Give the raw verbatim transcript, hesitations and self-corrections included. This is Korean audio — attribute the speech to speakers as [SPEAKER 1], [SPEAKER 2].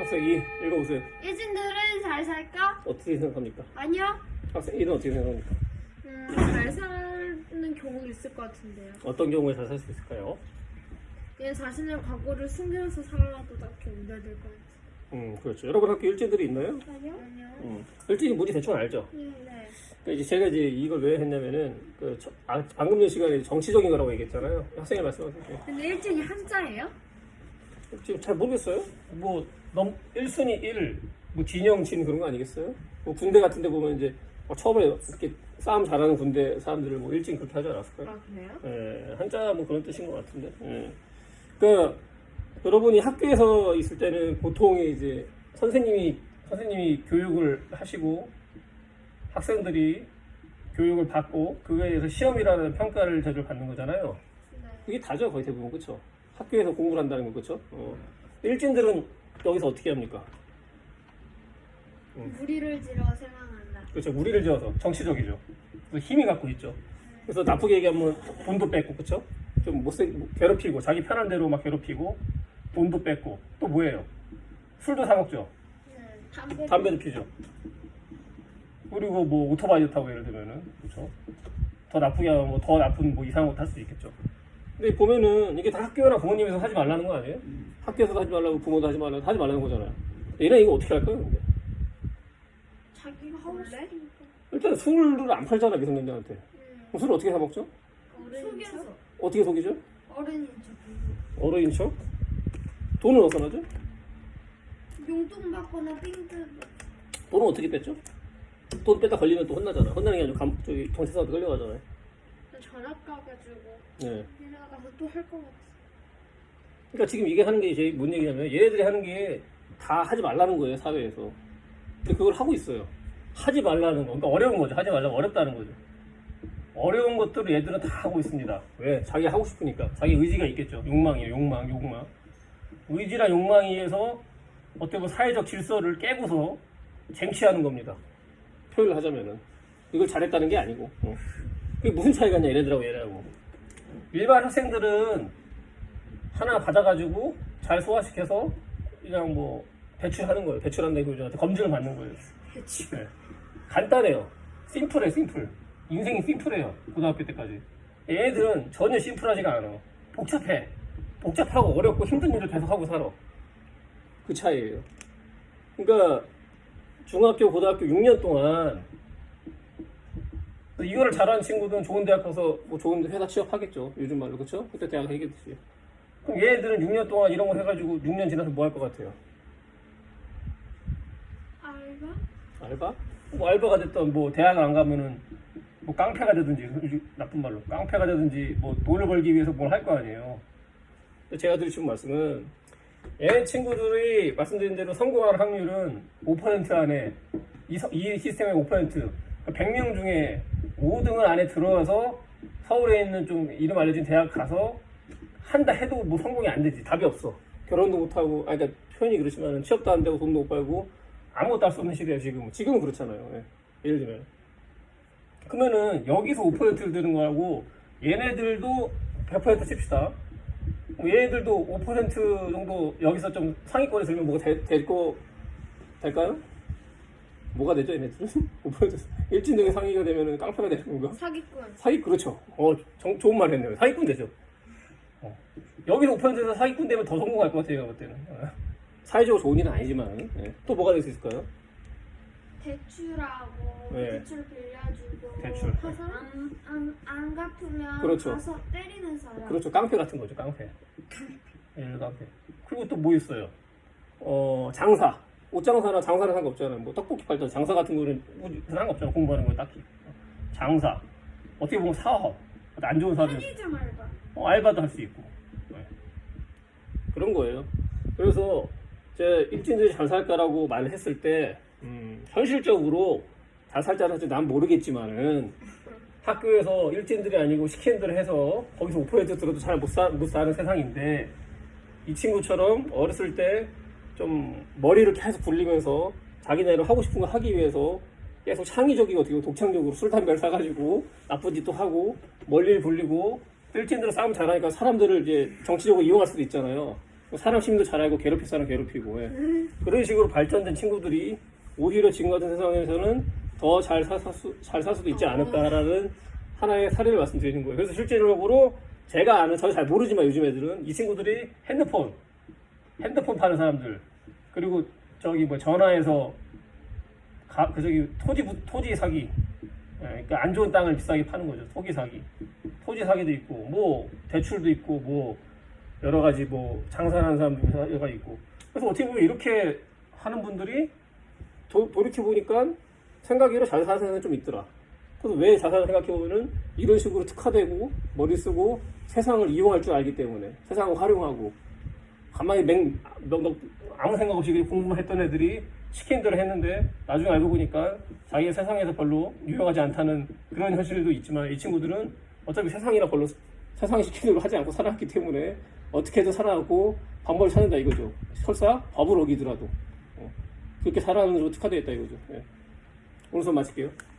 [SPEAKER 1] 학생 이 읽어보세요.
[SPEAKER 2] 일진들은 잘 살까?
[SPEAKER 1] 어떻게 생각합니까?
[SPEAKER 2] 아니요.
[SPEAKER 1] 학생 일은 어떻게 생각합니까?
[SPEAKER 2] 음, 잘 사는 경우 있을 것 같은데요.
[SPEAKER 1] 어떤 경우에 잘 살 수 있을까요?
[SPEAKER 2] 얘 자신의 과거를 숨기면서 살아도 딱히 우려될 것 같아요.
[SPEAKER 1] 음, 그렇죠. 여러분 학교 일진들이 있나요?
[SPEAKER 2] 아니요? 아니요.
[SPEAKER 1] 음, 일진이 뭔지 대충 알죠?
[SPEAKER 2] 음, 네.
[SPEAKER 1] 그러니까 이제 제가 이제 이걸 왜 했냐면은 그 저, 아, 방금 전 시간에 정치적인 거라고 얘기했잖아요. 학생이 말씀하세요.
[SPEAKER 2] 근데 일진이 한자예요?
[SPEAKER 1] 지금 잘 모르겠어요. 뭐 넘 일 순위 일, 뭐 진영 진 그런 거 아니겠어요? 뭐 군대 같은 데 보면 이제 뭐 처음에 이렇게 싸움 잘하는 군대 사람들을 뭐 일진 그렇게 하지 않았을까요?
[SPEAKER 2] 아, 그래요?
[SPEAKER 1] 예, 한자 뭐 그런 뜻인 것 같은데. 예. 그러니까 여러분이 학교에서 있을 때는 보통 이제 선생님이 선생님이 교육을 하시고 학생들이 교육을 받고 그거에 대해서 시험이라는 평가를 자주 받는 거잖아요.
[SPEAKER 2] 네.
[SPEAKER 1] 그게 다죠, 거의 대부분. 그렇죠? 학교에서 공부를 한다는 거. 그렇죠? 어. 일진들은 여기서 어떻게 합니까?
[SPEAKER 2] 무리를 지러 생각한다.
[SPEAKER 1] 그렇죠. 무리를 지어서 정치적이죠. 그래서 힘이 갖고 있죠. 그래서 나쁘게 얘기하면 돈도 뺏고, 그렇죠? 좀 못생 괴롭히고 자기 편한 대로 막 괴롭히고 돈도 뺏고 또 뭐예요? 술도 사 먹죠.
[SPEAKER 2] 네. 담배.
[SPEAKER 1] 담배도 피죠. 그리고 뭐 오토바이도 타고 예를 들면은 그렇죠. 더 나쁘게 하면 뭐 더 나쁜 뭐 이상한 거 탈 수도 있겠죠. 근데 보면은 이게 다 학교나 부모님에서 하지 말라는 거 아니에요? 학교에서도 하지 말라고 부모도 하지 말라고 하지 말라는 거잖아요. 얘네 이거 어떻게 할까요? 근데?
[SPEAKER 2] 자기가 하고 싶으니까.
[SPEAKER 1] 일단 술을 안 팔잖아 미성년자한테.
[SPEAKER 2] 음.
[SPEAKER 1] 그럼 술을 어떻게 사 먹죠?
[SPEAKER 2] 속여서.
[SPEAKER 1] 어떻게 속이죠?
[SPEAKER 2] 어른인 척.
[SPEAKER 1] 어른인 척? 돈은 어디서 나죠?
[SPEAKER 2] 용돈 받거나 삥뜯.
[SPEAKER 1] 돈은 어떻게 뺐죠? 돈 뺐다 걸리면 또 혼나잖아. 혼나는 게 아니고 감, 저기 경찰서한테 끌려가잖아요.
[SPEAKER 2] 전학 가가지고
[SPEAKER 1] 네.
[SPEAKER 2] 지나가서 또 할 것 같아.
[SPEAKER 1] 그러니까 지금 이게 하는 게 제일 뭔 얘기냐면 얘네들이 하는 게 다 하지 말라는 거예요 사회에서. 근데 그걸 하고 있어요. 하지 말라는 거. 그러니까 어려운 거죠. 하지 말라면 어렵다는 거죠. 어려운 것들을 얘들은 다 하고 있습니다. 왜? 자기 하고 싶으니까. 자기 의지가 있겠죠. 욕망이에요. 욕망, 욕망. 의지나 욕망에 의해서 어떻게 보면 사회적 질서를 깨고서 쟁취하는 겁니다. 표현을 하자면은. 이걸 잘했다는 게 아니고. 어. 그게 무슨 차이가 있냐 얘네들하고 얘네하고. 일반 학생들은 하나 받아가지고 잘 소화시켜서 그냥 뭐 배출하는 거예요. 배출한다고 요즘한테 검증을 받는 거예요.
[SPEAKER 2] 대충.
[SPEAKER 1] 네. 간단해요. 심플해, 심플. 인생이 심플해요. 고등학교 때까지. 얘네들은 전혀 심플하지가 않아. 복잡해. 복잡하고 어렵고 힘든 일을 계속 하고 살아. 그 차이예요. 그러니까 중학교, 고등학교 육 년 동안 이거를 잘하는 친구들은 좋은 대학 가서 뭐 좋은 회사 취업하겠죠. 요즘 말로 그렇죠? 그때 대학 얘기했듯이. 그럼 얘네들은 육 년 동안 이런 거 해가지고 육 년 지나서 뭐 할 것 같아요?
[SPEAKER 2] 알바?
[SPEAKER 1] 알바? 뭐 알바가 됐던 뭐 대학 안 가면은 뭐 깡패가 되든지 나쁜 말로 깡패가 되든지 뭐 돈을 벌기 위해서 뭘 할 거 아니에요. 제가 드리는 말씀은 얘네 친구들이 말씀드린 대로 성공할 확률은 오 퍼센트 안에 이, 서, 이 시스템의 오 퍼센트 백 명 중에 오 등을 안에 들어와서 서울에 있는 좀 이름 알려진 대학 가서 한다 해도 뭐 성공이 안 되지. 답이 없어. 결혼도 못하고 아니 그러니까 표현이 그렇지만 취업도 안 되고 돈도 못 벌고 아무것도 할 수 없는 시대예요 지금. 지금은 그렇잖아요. 예. 예를 들면 그러면은 여기서 오 퍼센트를 드는 거하고 얘네들도 백 퍼센트 칩시다. 얘네들도 오 퍼센트 정도 여기서 좀 상위권에 들면 뭐가 되, 될 거 될까요? 뭐가 되죠 얘네들은? 오 퍼센트 일진 중에 상위가 되면은 깡패가 되는 건가?
[SPEAKER 2] 사기꾼.
[SPEAKER 1] 사기 그렇죠. 어 정, 좋은 말 했네요. 사기꾼 되죠. 어. 여기서 오 퍼센트에서 사기꾼 되면 더 성공할 것 같아요 제가 볼 때는. 어. 사회적으로 좋은 일은 아니지만 예. 또 뭐가 될 수 있을까요?
[SPEAKER 2] 대출하고
[SPEAKER 1] 네.
[SPEAKER 2] 대출 빌려주고
[SPEAKER 1] 대출.
[SPEAKER 2] 가서 안, 안, 안 갚으면
[SPEAKER 1] 그렇죠.
[SPEAKER 2] 가서 때리는 사람.
[SPEAKER 1] 그렇죠. 깡패 같은 거죠. 깡패. 예, 깡패. 그리고 또 뭐 있어요? 어 장사. 옷 장사나 장사는 상관없잖아요. 뭐 떡볶이 팔던 장사 같은 거는 뭐 상관없잖아요. 공부하는 거 딱히. 장사. 어떻게 보면 사업. 안 좋은 사업이
[SPEAKER 2] 편의점 알바.
[SPEAKER 1] 어, 알바도 할 수 있고. 네. 그런 거예요. 그래서 제 일진들이 잘 살까라고 말을 했을 때 음, 현실적으로 잘 살자는 사실 난 모르겠지만은 학교에서 일진들이 아니고 시키는 대로 해서 거기서 오 퍼센트 들어도 잘 못 못 사는 세상인데 이 친구처럼 어렸을 때 좀 머리를 계속 굴리면서 자기네로 하고 싶은 거 하기 위해서 계속 창의적이고 어떻게 독창적으로 술 담배를 사가지고 나쁜 짓도 하고 멀리를 굴리고 일진들은 싸움 잘하니까 사람들을 이제 정치적으로 이용할 수도 있잖아요. 사람 심리도 잘 알고 괴롭힐 사람 괴롭히고 예. 그런 식으로 발전된 친구들이 오히려 지금 같은 세상에서는 더 잘 살 수, 잘 살 수도 있지 않을까라는 하나의 사례를 말씀드리는 거예요. 그래서 실제적으로 제가 아는, 저는 잘 모르지만 요즘 애들은 이 친구들이 핸드폰, 핸드폰 파는 사람들, 그리고 저기 뭐 전화해서 가, 그 저기 토지, 부- 토지 사기, 예, 그러니까 안 좋은 땅을 비싸게 파는 거죠. 토기 사기, 토지 사기도 있고, 뭐 대출도 있고, 뭐 여러 가지 뭐 장사하는 사람도 여가 있고. 그래서 어떻게 보면 이렇게 하는 분들이 도, 돌이켜 보니까 생각외로 잘 사는 사람이 좀 있더라. 그래서 왜 자산을 생각해 보면은 이런 식으로 특화되고 머리 쓰고 세상을 이용할 줄 알기 때문에 세상을 활용하고 가만히 맹 너, 너, 아무 생각 없이 그냥 공부만 했던 애들이 시킨 대로 했는데 나중에 알고 보니까 자기가 세상에서 별로 유용하지 않다는 그런 현실도 있지만 이 친구들은 어차피 세상이나 별로 세상이 시키는 대로 하지 않고 살아왔기 때문에 어떻게든 살아가고 방법을 찾는다 이거죠. 설사 법을 어기더라도 어. 그렇게 살아가는 것으로 특화되어 있다 이거죠. 예. 오늘 수업 마칠게요.